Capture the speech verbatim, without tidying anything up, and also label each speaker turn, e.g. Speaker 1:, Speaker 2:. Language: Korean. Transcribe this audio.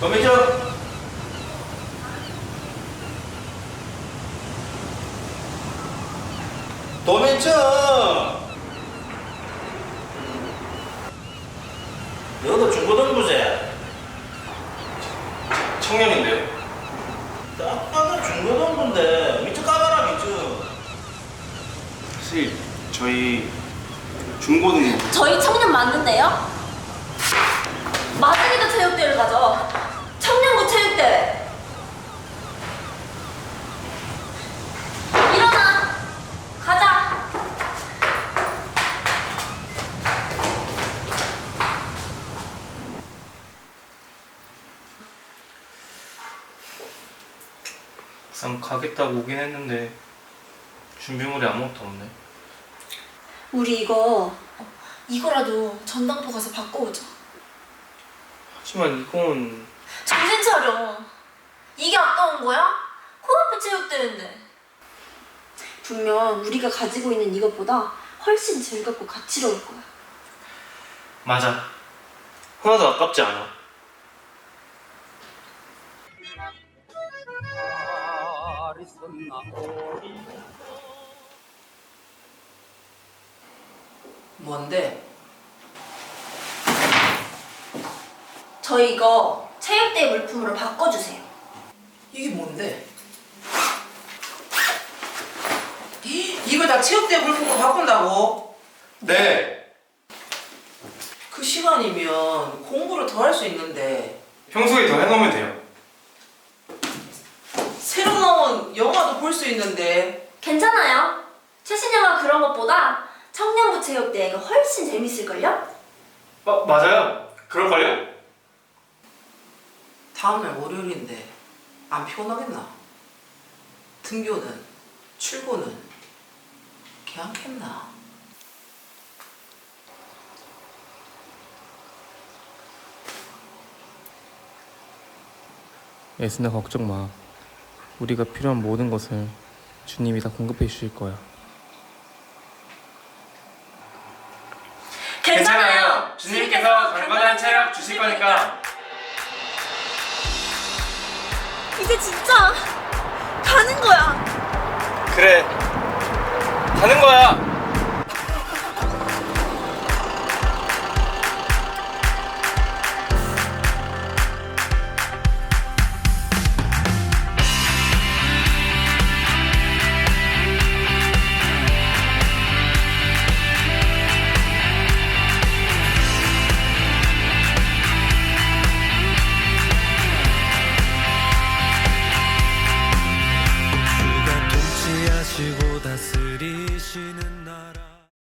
Speaker 1: 도매점. 도매점. 너도 중고등부제?
Speaker 2: 청년인데요.
Speaker 1: 딱 봐도 중고등부인데 밑에 까봐라 밑에.
Speaker 2: 사실 저희 중고등부.
Speaker 3: 저희 청년 맞는데요? 마중이도 체육대회를 가죠. 청년부 체육대회. 일어나. 가자.
Speaker 2: 막상 가겠다고 오긴 했는데 준비물이 아무것도 없네.
Speaker 3: 우리 이거 이거라도 전당포 가서 바꿔오자.
Speaker 2: 하지만 이건
Speaker 3: 정신 차려. 이게 아까운 거야? 코앞에 체육대회인데. 분명 우리가 가지고 있는 이것보다 훨씬 즐겁고 가치로울 거야.
Speaker 2: 맞아. 하나도 아깝지 않아.
Speaker 4: 뭔데?
Speaker 3: 저희 이거 체육대회 물품으로 바꿔주세요.
Speaker 4: 이게 뭔데? 이거 다 체육대 물품으로 바꾼다고?
Speaker 2: 네.
Speaker 4: 그 시간이면 공부를 더 할 수 있는데
Speaker 2: 평소에 더 해놓으면 돼요.
Speaker 4: 새로 나온 영화도 볼 수 있는데
Speaker 3: 괜찮아요. 최신 영화 그런 것보다 청년부 체육대회가 훨씬 재밌을걸요?
Speaker 2: 마, 맞아요. 그럴걸요?
Speaker 4: 다음날 월요일인데 안 피곤하겠나? 등교는 출근은 괜찮겠나?
Speaker 2: 예순아 걱정 마. 우리가 필요한 모든 것을 주님이 다 공급해 주실 거야.
Speaker 3: 괜찮아요.
Speaker 2: 주님께서 강건한 체력 주실 거니까.
Speaker 3: 이제 진짜 가는 거야.
Speaker 2: 그래. 가는 거야.
Speaker 5: 주가 통치하시고 다스리시는 나라